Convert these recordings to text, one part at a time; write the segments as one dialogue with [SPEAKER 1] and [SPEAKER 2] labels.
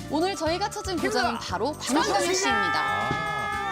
[SPEAKER 1] 오늘 저희가 찾은 고장은 바로 광주광 씨입니다.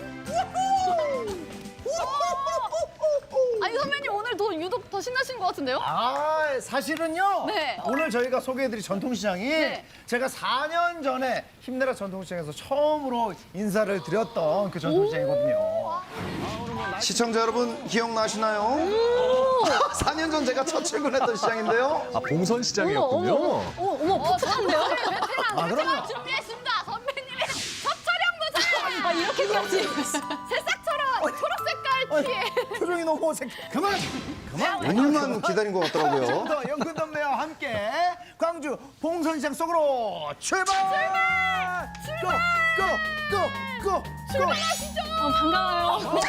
[SPEAKER 1] 아니 선배님 오늘 유독 더 신나신 것 같은데요?
[SPEAKER 2] 아, 사실은요.
[SPEAKER 1] 네.
[SPEAKER 2] 오늘 저희가 소개해드릴 전통시장이
[SPEAKER 1] 네.
[SPEAKER 2] 제가 4년 전에 힘내라 전통시장에서 처음으로 인사를 드렸던 그 전통시장이거든요.
[SPEAKER 3] 시청자 여러분 기억나시나요? 4년 전 제가 첫 출근했던 시장인데요.
[SPEAKER 4] 아, 봉선시장이었군요.
[SPEAKER 1] 어머 풋풋한데요?
[SPEAKER 2] 아, 그럼요.
[SPEAKER 1] 준비했습니다. 선배님의 첫 촬영 도장. 아 이렇게까지 새싹처럼 초록색깔 티에.
[SPEAKER 2] 표정이 너무 어색해. 그만!
[SPEAKER 3] 오늘만 기다린 것 같더라고요.
[SPEAKER 2] 지금부터 연근덤매와 함께 광주 봉선시장 속으로 출발! 고!
[SPEAKER 1] 출발하시죠. 반가워요.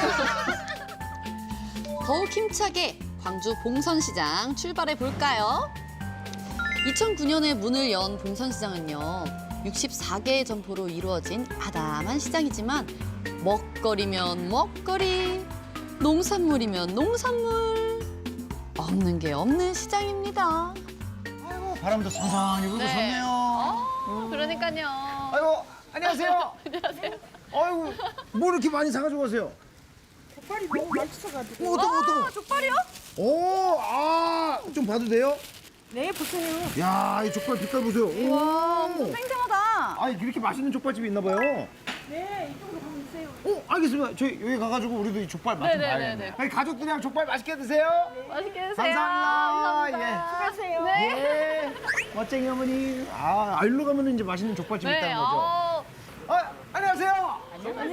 [SPEAKER 1] 더욱 힘차게 광주 봉선시장 출발해 볼까요? 2009년에 문을 연 봉선시장은요. 64개의 점포로 이루어진 아담한 시장이지만 먹거리면 먹거리, 농산물이면 농산물, 없는 게 없는 시장입니다.
[SPEAKER 2] 아이고, 바람도 선선히 불고 좋네요.
[SPEAKER 1] 그러니까요.
[SPEAKER 2] 아이고, 안녕하세요.
[SPEAKER 1] 안녕하세요.
[SPEAKER 2] 아이고, 뭐 이렇게 많이 사가지고 가세요?
[SPEAKER 5] 족발이 너무 맛있어가지고.
[SPEAKER 2] 어떤?
[SPEAKER 1] 족발이요?
[SPEAKER 2] 오, 좀 봐도 돼요?
[SPEAKER 5] 네, 보세요.
[SPEAKER 2] 야, 이 족발 빛깔 보세요.
[SPEAKER 1] 와,
[SPEAKER 2] 오.
[SPEAKER 1] 생생하다.
[SPEAKER 2] 아, 이렇게 맛있는 족발집이 있나 봐요.
[SPEAKER 5] 네, 이쪽으로 가면 있어요.
[SPEAKER 2] 알겠습니다. 저희 여기 가가지고 우리도 이 족발 맛 좀
[SPEAKER 1] 네네네네.
[SPEAKER 2] 봐야겠네요. 저희 가족들이랑 족발 맛있게 드세요.
[SPEAKER 1] 맛있게 드세요.
[SPEAKER 2] 감사합니다.
[SPEAKER 5] 수고하세요.
[SPEAKER 2] 예. 멋쟁이 어머니. 아, 알로 가면 이제 맛있는 족발집
[SPEAKER 1] 네,
[SPEAKER 2] 있다는 거죠. 안녕하세요.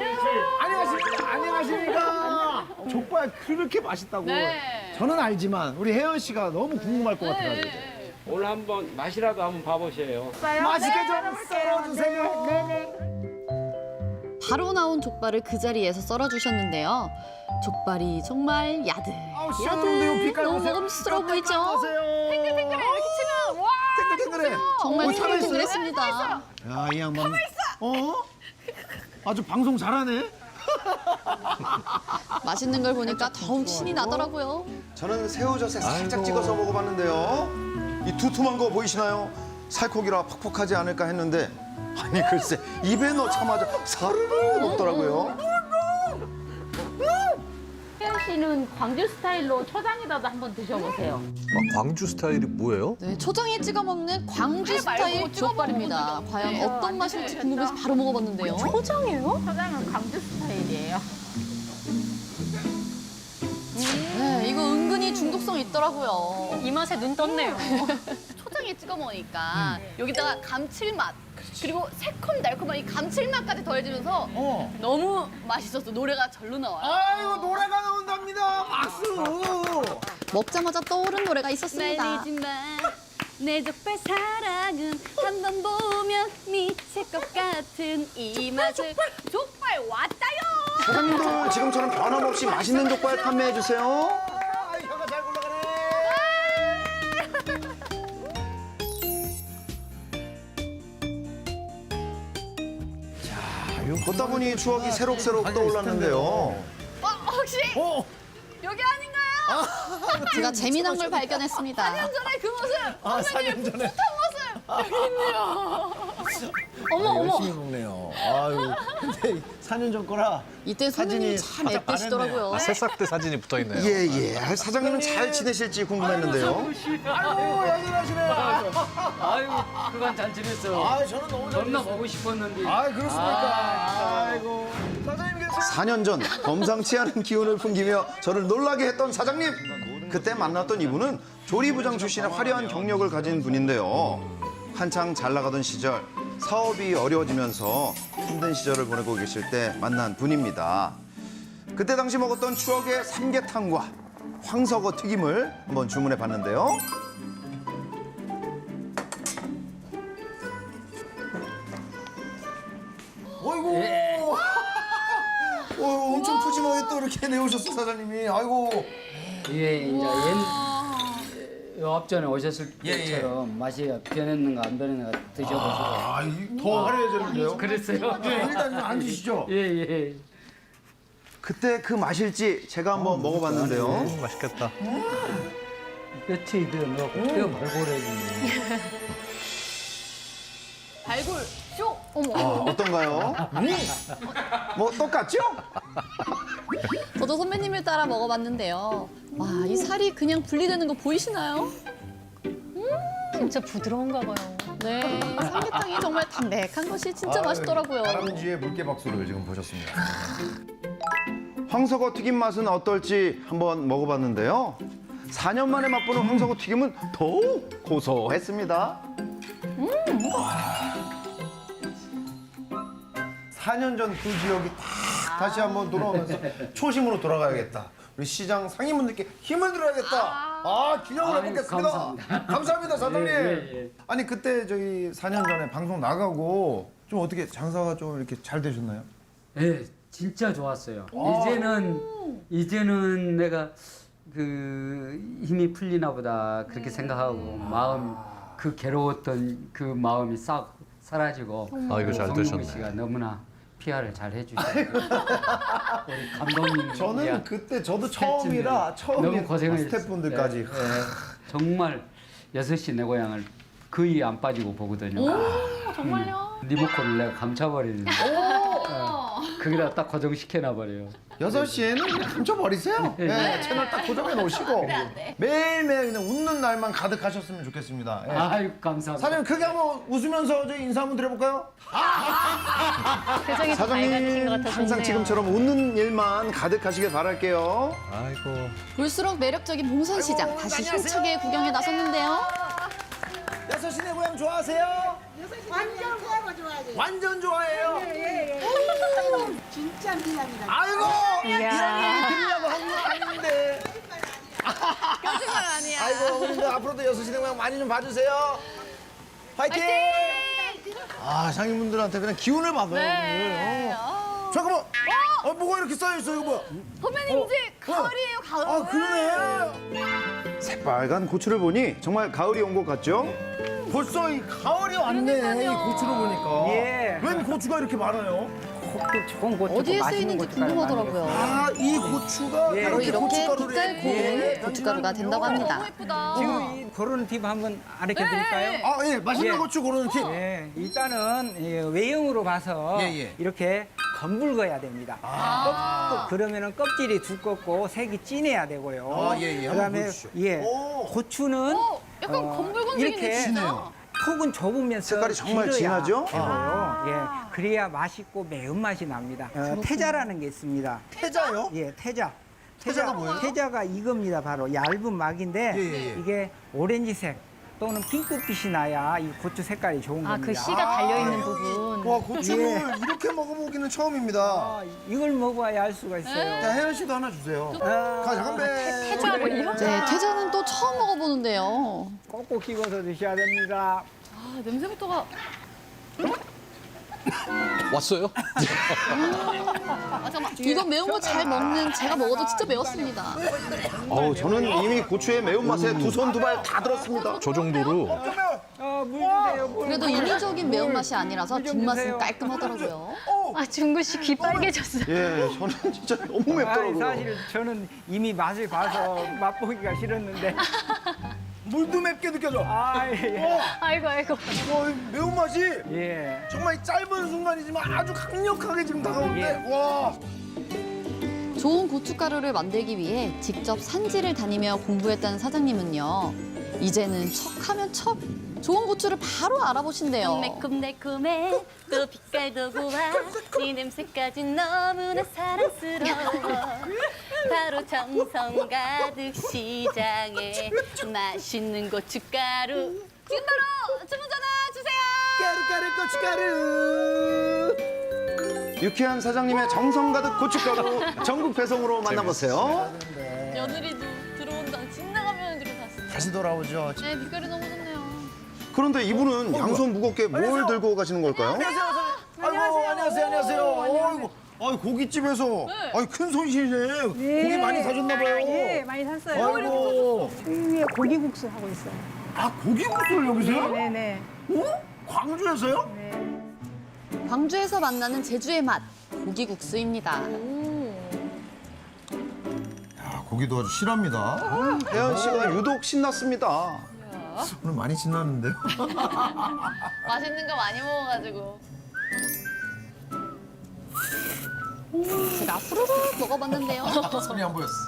[SPEAKER 2] 안녕하십니까. 족발 그렇게 맛있다고.
[SPEAKER 1] 네.
[SPEAKER 2] 저는 알지만 우리 혜연 씨가 너무 궁금할 것 같아가지고.
[SPEAKER 6] 오늘 한번 맛이라도 한번 봐보세요.
[SPEAKER 2] 맛있게 좀 썰어주세요.
[SPEAKER 5] 네네.
[SPEAKER 1] 바로 나온 족발을 그 자리에서 썰어주셨는데요. 족발이 정말 야들,
[SPEAKER 2] 아우, 시원한데요. 빛깔
[SPEAKER 1] 너무
[SPEAKER 2] 보세요.
[SPEAKER 1] 먹음직스러워 보이죠?
[SPEAKER 2] 탱글탱글해.
[SPEAKER 1] 이렇게 치면 와
[SPEAKER 2] 탱글탱글해.
[SPEAKER 1] 정말
[SPEAKER 2] 오, 살아있어요.
[SPEAKER 1] 탱글탱글했습니다.
[SPEAKER 2] 야, 이 양반. 아주 방송 잘하네.
[SPEAKER 1] 맛있는 걸 보니까 더욱 신이 나더라고요.
[SPEAKER 3] 저는 새우젓에 살짝 찍어서 먹어봤는데요. 이 두툼한 거 보이시나요? 살코기라 퍽퍽하지 않을까 했는데 아니 글쎄 입에 넣자마자 사르르 녹더라고요.
[SPEAKER 7] 혜연 씨는 광주 스타일로 초장에다도 한번 드셔보세요.
[SPEAKER 4] 아, 광주 스타일이 뭐예요?
[SPEAKER 1] 네, 초장에 찍어 먹는 광주 스타일 족발입니다. 과연 어떤 맛일지 궁금해서 바로 먹어봤는데요. 초장이에요?
[SPEAKER 7] 초장은 광주 스타일이에요.
[SPEAKER 1] 네, 이거 은근히 중독성 있더라고요.
[SPEAKER 7] 이 맛에 눈 떴네요.
[SPEAKER 1] 초장에 찍어 먹으니까 여기다가 감칠맛 그리고 새콤달콤한 이 감칠맛까지 더해지면서 너무 맛있었어. 노래가 절로 나와요.
[SPEAKER 2] 아이고, 노래가 나온답니다. 박수.
[SPEAKER 1] 먹자마자 떠오른 노래가 있었습니다.
[SPEAKER 8] 말리지 마. 내 족발 사랑은 한 번 보면 미칠 것 같은 이 맛을.
[SPEAKER 1] 족발 왔다요.
[SPEAKER 3] 사장님도 지금처럼 변함없이 맛있는 족발 판매해 주세요.
[SPEAKER 2] 아이, 혀가 잘 굴러가네.
[SPEAKER 3] 걷다 보니 추억이 새록새록 떠올랐는데요.
[SPEAKER 1] 혹시
[SPEAKER 2] 어,
[SPEAKER 1] 여기 아닌가요? 제가 재미난 걸 발견했습니다. 4년 전에 그 모습.
[SPEAKER 2] 4년 전에.
[SPEAKER 1] 어머.
[SPEAKER 2] 열심히 먹네요. 아유, 근데 4년 전 거라.
[SPEAKER 1] 이때 선생님이 참
[SPEAKER 2] 살짝
[SPEAKER 1] 예쁘시더라고요.
[SPEAKER 4] 아, 새싹 때 사진이 붙어 있네요.
[SPEAKER 3] 예예. 사장님은 잘 지내실지 궁금했는데요.
[SPEAKER 2] 아이고, 여전하시네요.
[SPEAKER 6] 아유, 그간 잘 지냈어.
[SPEAKER 2] 아, 저는 너무 잘
[SPEAKER 6] 겁나
[SPEAKER 2] 됐어요.
[SPEAKER 6] 보고 싶었는데.
[SPEAKER 2] 아, 그렇습니까? 아이고. 사장님께서
[SPEAKER 3] 4년 전 범상치 않은 기운을 풍기며 저를 놀라게 했던 사장님. 그때 만났던 이분은 조리부장 출신의 화려한 경력을 가진 분인데요. 한창 잘 나가던 시절 사업이 어려워지면서 힘든 시절을 보내고 계실 때 만난 분입니다. 그때 당시 먹었던 추억의 삼계탕과 황석어 튀김을 한번 주문해 봤는데요.
[SPEAKER 2] 어이구. 엄청 푸짐하게 또 이렇게 내오셨어, 사장님이. 아이고.
[SPEAKER 6] 예, 이제 요 앞전에 오셨을 때처럼 맛이 변했는가 안 변했는가 드셔보시고.
[SPEAKER 2] 아, 더 화려해졌는데요?
[SPEAKER 6] 그랬어요?
[SPEAKER 2] 네, 일단 앉으시죠.
[SPEAKER 6] 예, 예.
[SPEAKER 3] 그때 그 맛일지 제가 한번 먹어봤는데요.
[SPEAKER 4] 맛있겠다.
[SPEAKER 6] 뼈치 더 넣고 뼈 발골해주네.
[SPEAKER 1] 발골 쇼. 어머.
[SPEAKER 3] 어떤가요? 뭐 똑같죠?
[SPEAKER 1] 저도 선배님을 따라 먹어봤는데요. 와, 이 살이 그냥 분리되는 거 보이시나요?
[SPEAKER 7] 진짜 부드러운가 봐요.
[SPEAKER 1] 네, 삼계탕이 정말 담백한 것이 진짜 맛있더라고요.
[SPEAKER 2] 다람쥐의 물개 박수를 지금 보셨습니다.
[SPEAKER 3] 황석어 튀김 맛은 어떨지 한번 먹어봤는데요. 4년 만에 맛보는 황석어 튀김은 더욱 고소했습니다.
[SPEAKER 2] 4년 전 그 지역이 딱 다시 한번 돌아오면서 초심으로 돌아가야겠다. 우리 시장 상인분들께 힘을 드려야겠다. 기념을
[SPEAKER 6] 아유,
[SPEAKER 2] 해보겠습니다.
[SPEAKER 6] 감사합니다.
[SPEAKER 2] 감사합니다, 사장님.
[SPEAKER 6] 예.
[SPEAKER 2] 아니 그때 저기 4년 전에 방송 나가고 좀 어떻게 장사가 좀 이렇게 잘 되셨나요?
[SPEAKER 6] 네, 진짜 좋았어요. 이제는 내가 그 힘이 풀리나 보다 그렇게 생각하고 마음 그 괴로웠던 그 마음이 싹 사라지고
[SPEAKER 4] 아이고, 잘
[SPEAKER 6] 송영구
[SPEAKER 4] 되셨네.
[SPEAKER 6] 씨가 너무나 PR을 잘 해주셨어요. 우리 감독님
[SPEAKER 2] 저는 그때 저도 처음이라
[SPEAKER 6] 너무 고생을
[SPEAKER 2] 스태프분들까지
[SPEAKER 6] 했어요. 예, 정말 6시 내 고향을 거의 안 빠지고 보거든요.
[SPEAKER 1] 정말요?
[SPEAKER 6] 리모컨을 내가 감춰버리는데 거기다 딱 고정시켜놔버려요.
[SPEAKER 2] 6시에는 감춰버리세요. 네, 채널 딱 고정해 놓으시고 매일매일 그냥 웃는 날만 가득하셨으면 좋겠습니다. 예.
[SPEAKER 6] 아유 감사합니다.
[SPEAKER 2] 사장님 크게 한번 웃으면서 저희 인사 한번 드려볼까요?
[SPEAKER 7] 표정이 더 밝아지신 것
[SPEAKER 3] 사장님
[SPEAKER 7] 같아서
[SPEAKER 3] 항상
[SPEAKER 7] 좋네요.
[SPEAKER 3] 지금처럼 웃는 일만 가득하시길 바랄게요.
[SPEAKER 4] 아이고.
[SPEAKER 1] 볼수록 매력적인 봉선시장 다시 힘차게 구경에 나섰는데요.
[SPEAKER 2] 6시 내 고향 좋아하세요?
[SPEAKER 5] 완전 그거 좋아하지.
[SPEAKER 2] 완전 좋아해요.
[SPEAKER 5] 진짜 미남이다.
[SPEAKER 2] 아이고 이런 얘기 들으려고 한 거 아닌데.
[SPEAKER 1] 거짓말 아니야.
[SPEAKER 2] 아이고 근데 앞으로도 6시 내 고향 많이 좀 봐주세요. 화이팅! 상인분들한테 그냥 기운을 받아요.
[SPEAKER 1] 네.
[SPEAKER 2] 오늘. 잠깐만. 뭐가 이렇게 쌓여있어 이거 뭐야?
[SPEAKER 1] 선배님 이제 가을이에요, 가을.
[SPEAKER 2] 그러네.
[SPEAKER 3] 새빨간 고추를 보니 정말 가을이 온 것 같죠?
[SPEAKER 2] 벌써 이 가을이 왔네. 이
[SPEAKER 1] 그러니까요.
[SPEAKER 2] 고추를 보니까.
[SPEAKER 9] 예.
[SPEAKER 2] 웬 고추가 이렇게 많아요?
[SPEAKER 9] 좋은 고추
[SPEAKER 1] 어디에 쓰이는지 궁금하더라고요.
[SPEAKER 2] 이 고추가
[SPEAKER 9] 예.
[SPEAKER 1] 바로 이렇게
[SPEAKER 2] 고춧가루를
[SPEAKER 1] 빛깔 고운
[SPEAKER 2] 예.
[SPEAKER 1] 고춧가루가 된다고 합니다. 너무 예쁘다.
[SPEAKER 9] 지금 이 고르는 팁 한번 알려 드릴까요?
[SPEAKER 2] 예, 맛있는
[SPEAKER 9] 예.
[SPEAKER 2] 고추 고르는 팁.
[SPEAKER 9] 예, 일단은 외형으로 봐서
[SPEAKER 2] 예.
[SPEAKER 9] 이렇게 검붉어야 됩니다. 그러면은 껍질이 두껍고 색이 진해야 되고요.
[SPEAKER 2] 예. 한번
[SPEAKER 9] 그다음에
[SPEAKER 2] 보여주시죠.
[SPEAKER 9] 고추는
[SPEAKER 1] 약간 검붉은색이네,
[SPEAKER 9] 이렇게
[SPEAKER 1] 진짜.
[SPEAKER 9] 톡은 좁으면서
[SPEAKER 3] 색깔이 정말
[SPEAKER 9] 길어야
[SPEAKER 3] 진하죠?
[SPEAKER 9] 되고요. 예, 그래야 맛있고 매운맛이 납니다. 태자라는 게 있습니다.
[SPEAKER 2] 태자요?
[SPEAKER 9] 예, 태자.
[SPEAKER 2] 태자가 뭐예요?
[SPEAKER 9] 태자가 이겁니다. 바로 얇은 막인데
[SPEAKER 2] 예.
[SPEAKER 9] 이게 오렌지색 또는 핑크빛이 나야 이 고추 색깔이 좋은
[SPEAKER 7] 아,
[SPEAKER 9] 겁니다.
[SPEAKER 7] 그 씨가 달려있는 부분.
[SPEAKER 2] 와, 고추를 이렇게 먹어보기는 처음입니다.
[SPEAKER 9] 아, 이걸 먹어야 알 수가 있어요.
[SPEAKER 2] 자, 혜연 씨도 하나 주세요. 가, 건배.
[SPEAKER 7] 태자군요?
[SPEAKER 1] 네, 태자는 또 처음 먹어보는데요.
[SPEAKER 9] 꼭꼭 씹어서 드셔야 됩니다.
[SPEAKER 1] 아, 냄새부터가.
[SPEAKER 4] 왔어요?
[SPEAKER 1] 잠깐만. 이거 매운 거 잘 먹는 제가 먹어도 진짜 매웠습니다.
[SPEAKER 3] 저는 이미 고추의 매운맛에 두 손 두 발 다 들었습니다.
[SPEAKER 4] 저 정도로.
[SPEAKER 9] 물 주세요. 물.
[SPEAKER 1] 그래도 인위적인 매운맛이 아니라서
[SPEAKER 9] 물 좀
[SPEAKER 1] 뒷맛은
[SPEAKER 9] 주세요.
[SPEAKER 1] 깔끔하더라고요.
[SPEAKER 7] 아, 중구 씨 귀 빨개졌어요.
[SPEAKER 3] 예, 저는 진짜 너무
[SPEAKER 9] 아니,
[SPEAKER 3] 맵더라고요.
[SPEAKER 9] 사실 저는 이미 맛을 봐서 맛보기가 싫었는데.
[SPEAKER 2] 물도 맵게 느껴져.
[SPEAKER 7] 아이고.
[SPEAKER 2] 이 매운맛이
[SPEAKER 9] 예.
[SPEAKER 2] 정말 이 짧은 순간이지만 아주 강력하게 지금 다가오는데,
[SPEAKER 9] 예.
[SPEAKER 2] 와.
[SPEAKER 1] 좋은 고춧가루를 만들기 위해 직접 산지를 다니며 공부했다는 사장님은요. 이제는 척하면 척 좋은 고추를 바로 알아보신대요.
[SPEAKER 8] 매콤달콤해 또 빛깔도 고와 네 냄새까지 너무나 사랑스러워 바로 정성 가득 시장에 맛있는 고춧가루 지금 바로 주문 전화 주세요.
[SPEAKER 2] 고춧가루.
[SPEAKER 3] 유쾌한 사장님의 정성 가득 고춧가루 전국 배송으로 만나보세요.
[SPEAKER 1] 며느리도 들어온다. 집 나가면 들어 다시.
[SPEAKER 2] 다시 돌아오죠.
[SPEAKER 1] 네, 빛깔이 너무 좋네요.
[SPEAKER 3] 그런데 이분은 양손 무겁게 뭘 들고 가시는 걸까요?
[SPEAKER 2] 안녕하세요. 아이고, 고깃집에서 큰 손실이네. 고기 많이 사줬나 봐요.
[SPEAKER 5] 예, 많이 샀어요.
[SPEAKER 2] 아이고.
[SPEAKER 5] 위에 고기국수 하고 있어요.
[SPEAKER 2] 고기국수를 여기서요?
[SPEAKER 5] 네네.
[SPEAKER 2] 광주에서요?
[SPEAKER 1] 광주에서 만나는 제주의 맛, 고기국수입니다.
[SPEAKER 2] 고기도 아주 실합니다.
[SPEAKER 3] 혜연 씨가 유독 신났습니다.
[SPEAKER 2] 오늘 많이 신났는데요?
[SPEAKER 1] 맛있는 거 많이 먹어가지고. 제가 후루룩 먹어봤는데요.
[SPEAKER 2] 손이 안 보였어.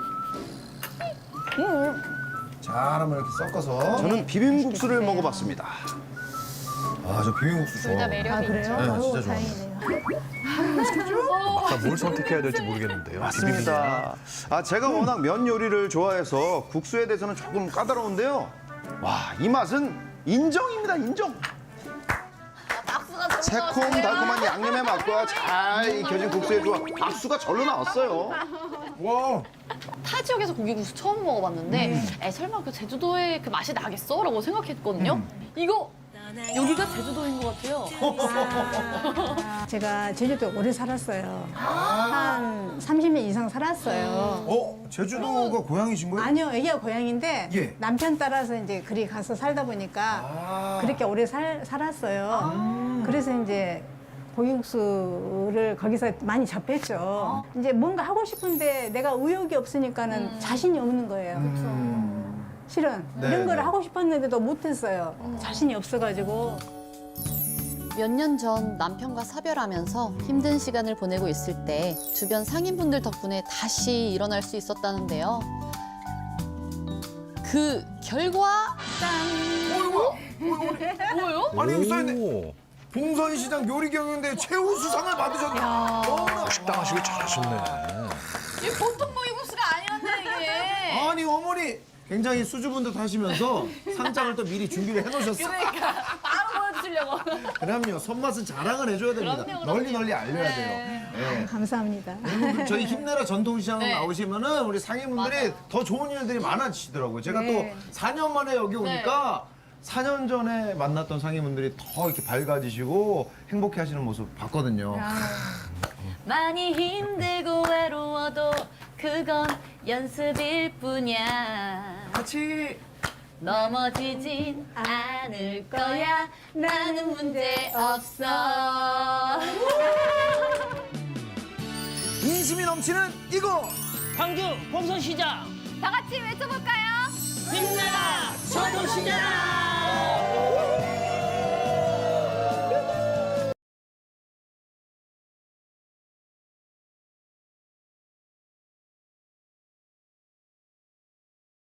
[SPEAKER 2] 잘 한번 이렇게 섞어서.
[SPEAKER 3] 저는 비빔국수를 먹어봤습니다.
[SPEAKER 2] 아, 저 비빔국수 좋아.
[SPEAKER 1] 매력이 있죠.
[SPEAKER 2] 네, 진짜 좋아.
[SPEAKER 4] 자, 뭘 선택해야 될지 모르겠는데요.
[SPEAKER 3] 맞습니다. 아, 제가 워낙 면 요리를 좋아해서 국수에 대해서는 조금 까다로운데요. 와, 이 맛은 인정입니다, 인정.
[SPEAKER 1] 박수가
[SPEAKER 3] 새콤달콤한 양념의 맛과 잘 익혀진 국수의 조합, 박수가 절로 나왔어요.
[SPEAKER 2] 와.
[SPEAKER 1] 타 지역에서 고기국수 처음 먹어봤는데 에, 설마 그 제주도에 그 맛이 나겠어? 라고 생각했거든요. 이거 여기가 제주도인 것 같아요.
[SPEAKER 5] 제가 제주도에 오래 살았어요. 한 30년 이상 살았어요.
[SPEAKER 2] 제주도가 고향이신 거예요?
[SPEAKER 5] 아니요, 여기가 고향인데
[SPEAKER 2] 예.
[SPEAKER 5] 남편 따라서 이제 그리 가서 살다 보니까 그렇게 오래 살았어요. 그래서 이제 고기국수를 거기서 많이 접했죠. 이제 뭔가 하고 싶은데 내가 의욕이 없으니까는 자신이 없는 거예요. 실은
[SPEAKER 2] 네,
[SPEAKER 5] 이런 걸
[SPEAKER 2] 네.
[SPEAKER 5] 하고 싶었는데도 못했어요. 자신이 없어가지고.
[SPEAKER 1] 몇 년 전 남편과 사별하면서 힘든 시간을 보내고 있을 때 주변 상인분들 덕분에 다시 일어날 수 있었다는데요. 그 결과 뭐요?
[SPEAKER 2] 아니, 여기 써있네.
[SPEAKER 4] 오,
[SPEAKER 2] 봉선시장 요리경연대 최우수상을 받으셨네.
[SPEAKER 4] 식당 하시길 잘하셨네.
[SPEAKER 1] 이게 보통 고기국수가 아니었네 이게.
[SPEAKER 2] 아니, 어머니 굉장히 수줍은 듯 하시면서 상장을 또 미리 준비를 해놓으셨어.
[SPEAKER 1] 그러니까 바로 보여주려고.
[SPEAKER 2] 그럼요, 손맛은 자랑을 해줘야 됩니다.
[SPEAKER 1] 그럼요.
[SPEAKER 2] 널리 알려야 돼요. 네.
[SPEAKER 5] 감사합니다.
[SPEAKER 2] 여러분들 저희 힘내라 전통시장
[SPEAKER 1] 네.
[SPEAKER 2] 나오시면은 우리 상인분들이
[SPEAKER 1] 맞아요.
[SPEAKER 2] 더 좋은 일들이 많아지시더라고요. 제가
[SPEAKER 5] 네.
[SPEAKER 2] 또 4년 만에 여기 오니까 4년 전에 만났던 상인분들이 더 이렇게 밝아지시고 행복해하시는 모습 봤거든요.
[SPEAKER 8] 많이 힘들고 외로워도 그건 연습일 뿐이야.
[SPEAKER 2] 같이
[SPEAKER 8] 넘어지진 않을 거야. 나는 문제 없어.
[SPEAKER 2] 인심이 넘치는 이곳.
[SPEAKER 9] 광주 봉선시장
[SPEAKER 8] 다 같이 외쳐볼까요?
[SPEAKER 9] 힘내라 전통시장.